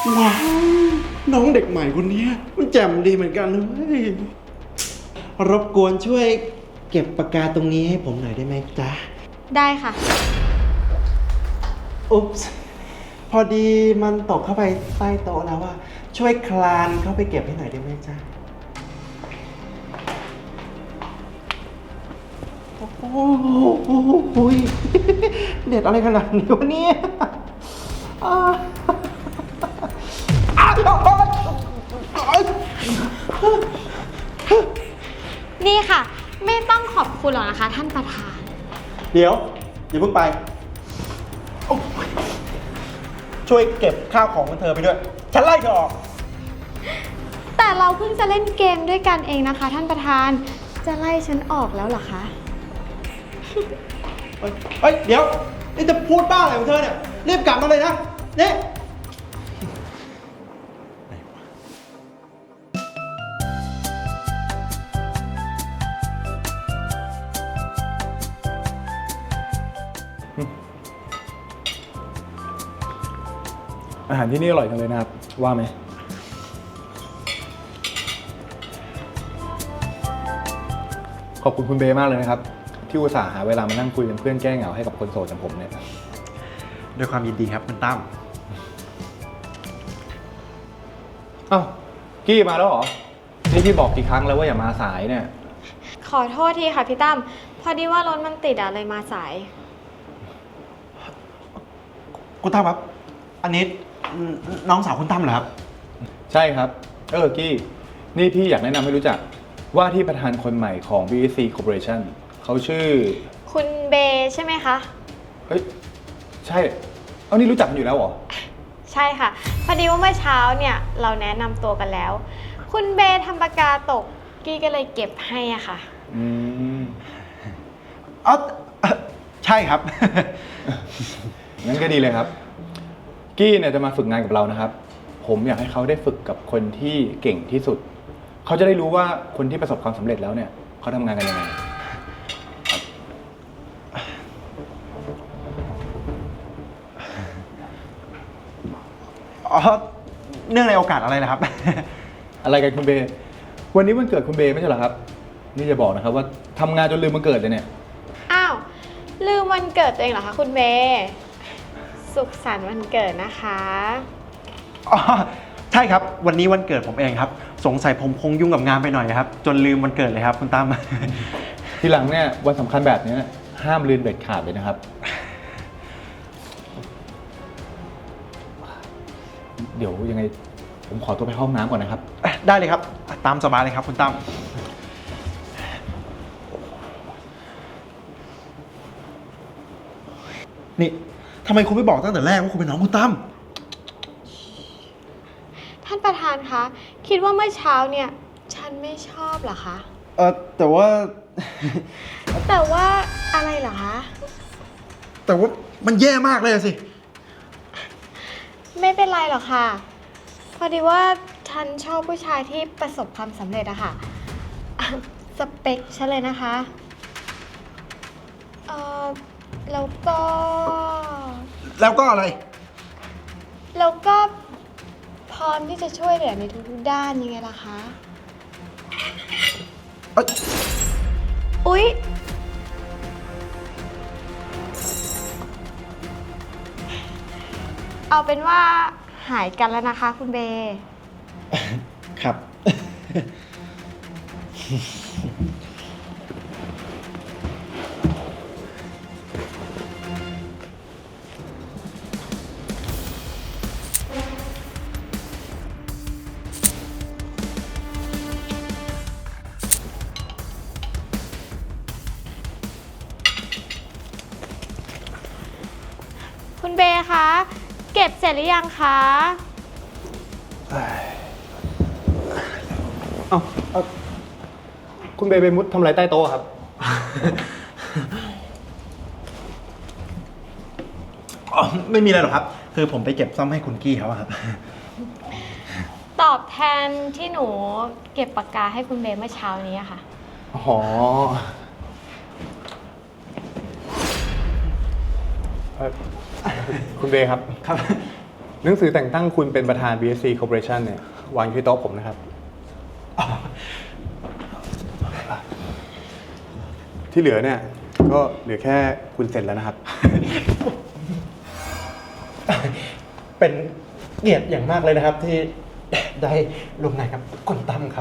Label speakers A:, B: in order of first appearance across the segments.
A: ว้าวน้องเด็กใหม่คนนี้มันแจ่มดีเหมือนกันเลยรบกวนช่วยเก็บปากกาตรงนี้ให้ผมหน่อยได้ไหมจ๊ะ
B: ได้ค่ะ
A: อุ๊บส์พอดีมันตกเข้าไปใต้โต๊ะแล้วว่าช่วยคลานเข้าไปเก็บให้หน่อยได้ไหมจ๊ะโอ้โหเด็ดอะไรขนาดนี้วะเนี่ย
B: นี่ค่ะ ไม่ต้องขอบคุณหรอกนะคะท่านประธาน
A: เดี๋ยวอย่าเพิ่งไปช่วยเก็บข้าวของของเธอไปด้วยฉันไล่เธอออก
B: แต่เราเพิ่งจะเล่นเกมด้วยกันเองนะคะท่านประธานจะไล่ฉันออกแล้วเหรอคะ
A: เฮ้ยเดี๋ยวนี่จะพูดบ้าอะไรของเธอเนี่ยรีบกลับมาเลยนะนี่
C: อาหารที่นี่อร่อยจังเลยนะครับว่าไหมขอบคุณคุณเบย์มากเลยนะครับที่อุตส่าห์หาเวลามานั่งคุยเป็นเพื่อนแก้เหงาให้กับคนโสดอย่างผมเนี่ย
A: ด้วยความยินดีครับคุณตั้ม
C: อ้าวกี้มาแล้วเหรอนี่พี่บอกกี่ครั้งแล้วว่าอย่ามาสายเนี่ย
B: ขอโทษทีค่ะพี่ตั้มพอดีว่ารถมันติดอะเลยมาสาย
A: คุณตั้มครับอันนี้น้องสาวคุณตั้มเหรอครับ
C: ใช่ครับกี้นี่พี่อยากแนะนำให้รู้จักว่าที่ประธานคนใหม่ของ BSC Corporation เขาชื่อ
B: คุณเบย์ใช่ไหมคะ
C: เฮ้ยใช่เอานี่รู้จักกันอยู่แล้วเหรอ
B: ใช่ค่ะพอดีว่าเมื่อเช้าเนี่ยเราแนะนำตัวกันแล้วคุณเบย์ทำปากกาตกกี้ก็เลยเก็บให้อะค่ะ
A: อ๋อใช่ครับ
C: งั้นก็ดีเลยครับกี้เนี่ยจะมาฝึกงานกับเรานะครับผมอยากให้เขาได้ฝึกกับคนที่เก่งที่สุดเขาจะได้รู้ว่าคนที่ประสบความสำเร็จแล้วเนี่ยเขาทำงานกันยังไง
A: อ๋อเนื่องในโอกาสอะไรนะครับ
C: อะไรกันคุณเบย์วันนี้วันเกิดคุณเบย์ไม่ใช่เหรอครับนี่จะบอกนะครับว่าทำงานจนลืมวันเกิดเลยเนี่ย
B: อ้าวลืมวันเกิดตัวเองเหรอคะคุณเบย์สุขสันต์วันเกิดนะคะ
A: อ๋อใช่ครับวันนี้วันเกิดผมเองครับสงสัยผมคงยุ่งกับงานไปหน่อยครับจนลืมวันเกิดเลยครับคุณตั้ม
C: ทีหลังเนี่ยวันสำคัญแบบนี้ห้ามลืมเด็ดขาดเลยนะครับเดี๋ยวยังไงผมขอตัวไปห้องน้ำก่อนนะครับ
A: ได้เลยครับตามสบายเลยครับคุณตั้มนี่ทำไมคุณไม่บอกตั้งแต่แรกว่าคุณเป็นน้องคุณตั้ม
B: ท่านประธานคะคิดว่าเมื่อเช้าเนี่ยฉันไม่ชอบเหรอคะ
A: แต่ว่า
B: แต่ว่าอะไรเหรอคะ
A: แต่ว่ามันแย่มากเลยสิ
B: ไม่เป็นไรหรอกค่ะพอดีว่าฉันชอบผู้ชายที่ประสบความสำเร็จอะค่ะสเปคฉันเลยนะคะแล้วก็
A: อะไร
B: แล้วก็พร้อมที่จะช่วยเหลือในทุกๆด้านยังไงล่ะคะอุ๊ยเอาเป็นว่าหายกันแล้วนะคะคุณเบย์
A: ครับ
B: คุณเบย์คะเก็บเสร็จหรือยังคะ
C: คุณเบย์ไปมุดทำอะไรใต้โต๊ะครับ
A: ไม่มีอะไรหรอกครับคือผมไปเก็บซ่อมให้คุณกี้เขาครับ
B: ตอบแทนที่หนูเก็บปากกาให้คุณเบย์เมื่อเช้านี้ค่ะ
C: อ๋อคุณเบย์ครับหนังสือแต่งตั้งคุณเป็นประธาน BSC Corporation เนี่ยวางอยู่ที่โต๊ะผมนะครับ ที่เหลือเนี่ยก็เหลือแค่คุณเซ็นแล้วนะครับ
A: เป็นเกียรติอย่างมากเลยนะครับที่ได้ร่วมงานกับคุณตั้มครับ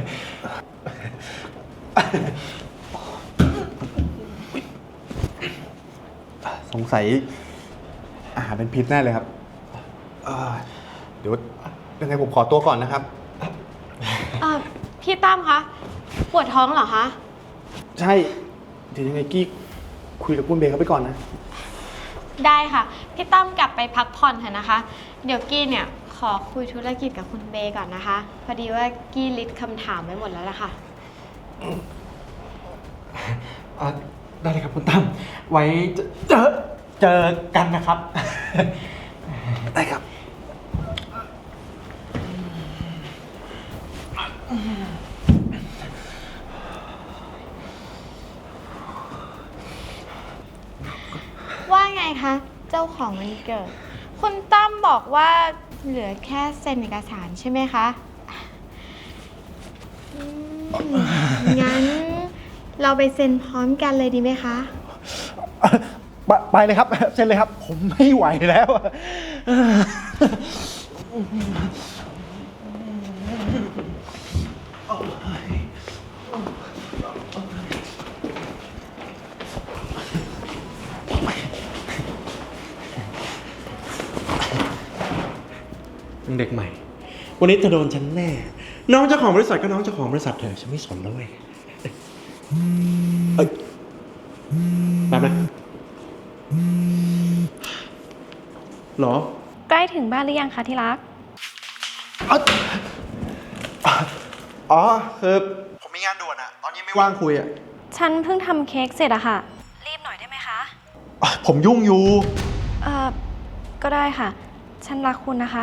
C: สงสัยอาหารเป็นพิษแน่เลยครับเดี๋ยวยังไงผมขอตัวก่อนนะครับ
B: พี่ตั้มคะปวดท้องเหรอคะ
C: ใช่ เดี๋ยวยังไงกี้คุยกับคุณเบย์เขาไปก่อนนะ
B: ได้ค่ะ พี่ตั้มกลับไปพักผ่อนเถอะนะคะ เดี๋ยวกี้เนี่ยขอคุยธุรกิจกับคุณเบย์ก่อนนะคะ พอดีว่ากี้ลิสต์คำถามไว้หมดแล้วล่ะค่ะ
A: ได้เลยครับคุณตั้มไว้เจอกันนะครับ
C: ได้ครับ
B: ว่าไงคะ เจ้าของวันเกิด คุณตั้มบอกว่าเหลือแค่เซ็นเอกสารใช่ไหมคะงั้นเราไปเซ็นพร้อมกันเลยดีไหมคะ
A: ไปเลยครับเซ็นเลยครับ ผมไม่ไหวแล้ว เด็กใหม่ วันนี้เธอโดนฉันแน่ น้องเจ้าของบริษัทก็น้องเจ้าของบริษัทเธอฉันไม่สนแล้วเว้ยแป๊บนะหรอ
D: ใกล้ถึงบ้านหรือยังคะที่รัก
A: อ๋อคือผมมีงานด่วนอะตอนนี้ไม่ว่างคุยอะ
D: ฉันเพิ่งทำเค้กเสร็จอะค่ะ รีบหน่อยได้ไหมคะ
A: ผมยุ่งอยู่
D: ก็ได้ค่ะ ฉันรักคุณนะคะ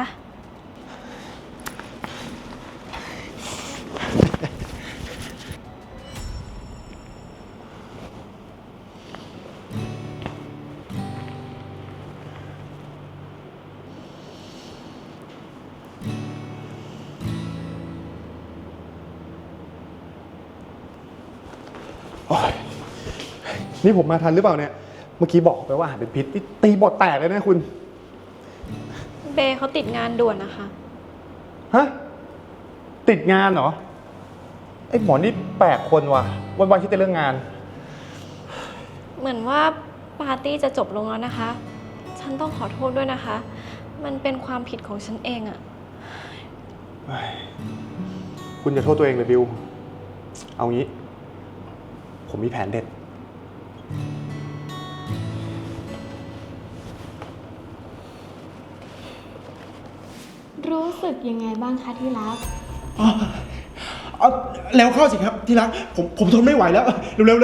C: นี่ผมมาทันหรือเปล่าเนี่ย เมื่อกี้บอกไปว่าอาหารเป็นพิษนี่ตีบทแตกเลยนะคุณ
D: เบย์เขาติดงานด่วนนะคะ
C: ฮะ ติดงานเหรอ ไอ้หมอนี่แปลกคนว่ะ วันๆคิดแต่เรื่องงาน
D: เหมือนว่าปาร์ตี้จะจบลงแล้วนะคะ ฉันต้องขอโทษด้วยนะคะ มันเป็นความผิดของฉันเองอะ
C: คุณจะโทษตัวเองเลยบิว เอางี้ ผมมีแผนเด็ด
B: รู้สึกยังไงบ้างคะที่รัก
A: เอาแล้วเข้าสิครับที่รักผมทนไม่ไหวแล้ว เร็วๆเลย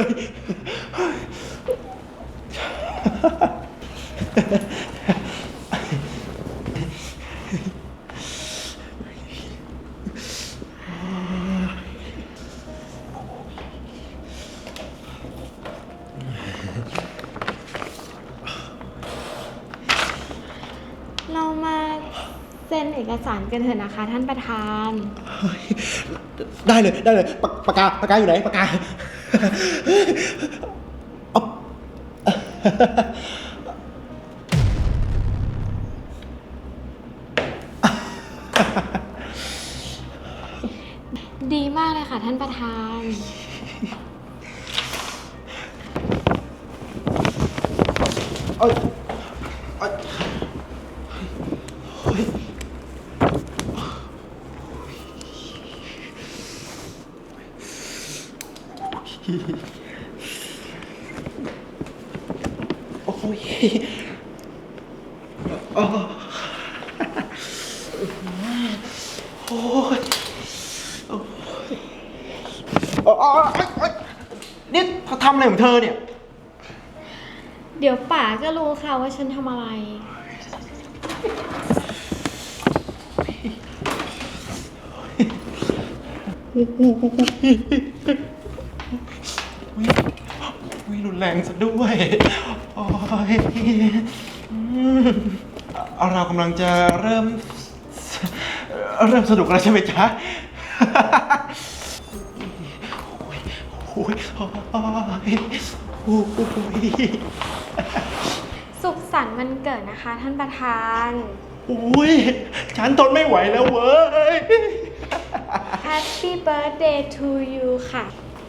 B: เรามาเซ็นเอกสารกันเถอะนะคะท่านประธาน
A: ได้เลยปากกาอยู่ไหนปากกาเอา
B: ดีมากเลยค่ะท่านประธาน
A: เอ้ยเอ้ยเฮ้ยโอ้ยโอ้ยนี่เธอทำอะไรของเธอเนี่ย
B: เดี๋ยวป๋าก็รู้ค่ะว่าฉันทำอะไร
A: รุนแรงซะด้วย โอ้ยเรากำลังจะเริ่มสนุกแล้วใช่ไหมจ๊ะ โอ้ยโอ้ย
B: สุขสันต์วันเกิดนะคะท่านประธาน
A: โอ้ยฉันทนไม่ไหวแล้วเว้ย
B: Happy birthday to you ค่ะ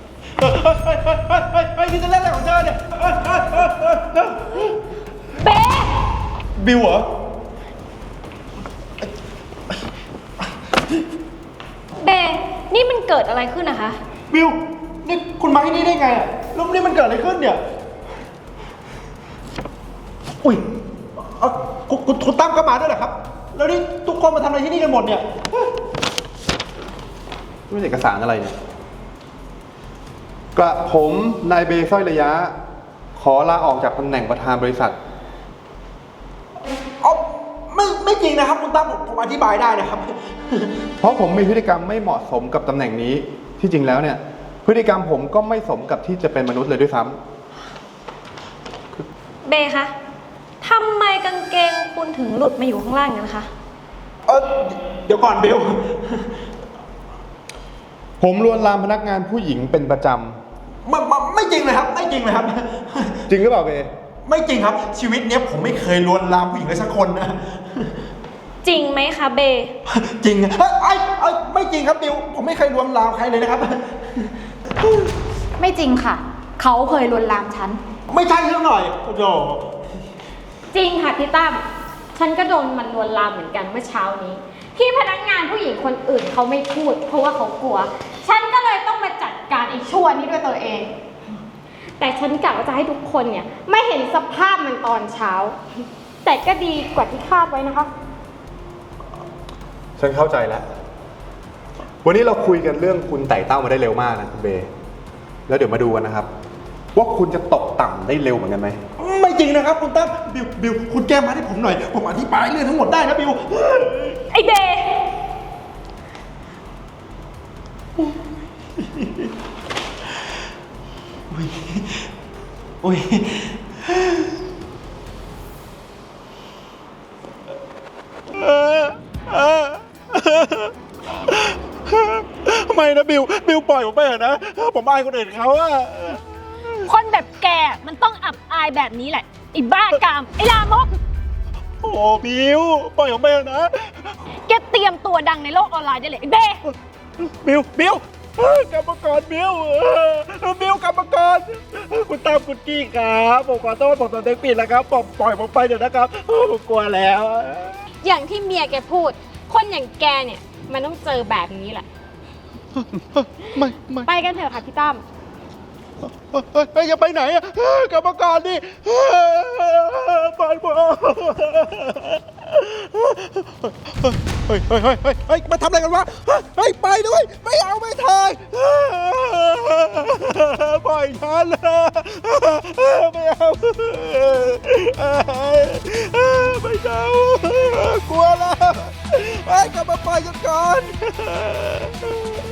A: เฮ้ยนี่จะเล่นอะไรของเธอเนี่ย
B: เบ๊
A: บิวเหรอ
D: เบนี่มันเกิดอะไรขึ้นนะคะ
A: บิว นี่คุณมาที่นี่ได้ไงอ่ะแล้วนี่มันเกิดอะไรขึ้นเนี่ย อุ้ยคุณตั้มก็มาด้วยเหรอครับ แล้วนี่ทุกคนมาทำอะไรที่นี่กันหมดเนี่ยนี่เป็นเอกสารอะไรเนี่ย
C: กระผมนายเบสร้อยระยะ ขอลาออกจากตำแหน่งประธานบริษัท
A: เอาไม่จริงนะครับคุณตั้มผมอธิบายได้นะครับ
C: เพราะผมมีพฤติกรรมไม่เหมาะสมกับตำแหน่งนี้ ที่จริงแล้วเนี่ย พฤติกรรมผมก็ไม่สมกับที่จะเป็นมนุษย์เลยด้วยซ้ำ
D: เบคะทำไมกางเกงคุณถึงหลุดมาอยู่ข้างล่างกันคะ
A: เดี๋ยวก่อนบิว
C: ผมลวนลามพนักงานผู้หญิงเป็นประจ
A: ไม่จริงเลยครับ ไม่จริงเลยครับ
C: ำจริงหรือเปล่าเบ
A: ไม่จริงครับ ชีวิตเนี้ยผมไม่เคยลวนลามผู้หญิงเลยสักคนนะ
D: จริงไหมคะเบ
A: จริงไม่จริงครับบิว ผมไม่เคยลวนลามใครเลยนะครับ
E: ไม่จริงค่ะ เขาเคยลวนลามฉัน
A: ไม่ใช่เรื่องหน่อยโอ้โห
B: จริงค่ะพี่ตั้ม ฉันก็โดนมันลวนลามเหมือนกันเมื่อเช้านี้ ที่พนักงานผู้หญิงคนอื่นเขาไม่พูด เพราะว่าเขากลัว ฉันก็เลยต้องมาจัดการไอ้ชั่วนี้ด้วยตัวเอง แต่ฉันกะว่าจะให้ทุกคนเนี่ยไม่เห็นสภาพมันตอนเช้า แต่ก็ดีกว่าที่คาดไว้นะคะ
C: ฉันเข้าใจแล้ว วันนี้เราคุยกันเรื่องคุณไต่เต้ามาได้เร็วมากนะคุณเบ แล้วเดี๋ยวมาดูกันนะครับ ว่าคุณจะตกต่ำได้เร็วเหมือนกันไหม
A: ไม่จริงนะครับคุณตั้มบิว คุณแก้มาให้ผมหน่อย ผมอธิบายเรื่องทั้งหมดได้นะบิว
D: ไอเบ
A: อุ้ยไม่นะบิวปล่อยผมไปเถอะนะ ผมอายคนอื่นเขาอะ
F: คนแบบแกมันต้องอับอายแบบนี้แหละไอ้บ้ากาม ไอ้ลามก
A: โอ้บิวปล่อยผมไปเถอะนะ
F: แกเตรียมตัวดังในโลกออนไลน์ได้เลยไอ้เบ้
A: บิวกรรมกรบิวกรรมกรคุณตามคุณกี้ครับผมขอโทษผมสำนึกผิดแล้วครับผมปล่อยผมไปเถอะนะครับผมกลัวแล้ว
B: อย่างที่เมียแกพูด คนอย่างแกเนี่ยมันต้องเจอแบบนี้แหละ
A: ไม่
B: ไปกันเถอะค่ะพี่ตั้ม
A: อย่าไปไหนอะกรรมกรดิปล่อยผมเฮ้ยมาทำอะไรกันวะเฮ้ยไปด้วยไม่เอาไม่ทายปล่อยฉันไม่เอาไม่เอากลัวแล้วไอ้กลับมาปล่อยฉันก่อน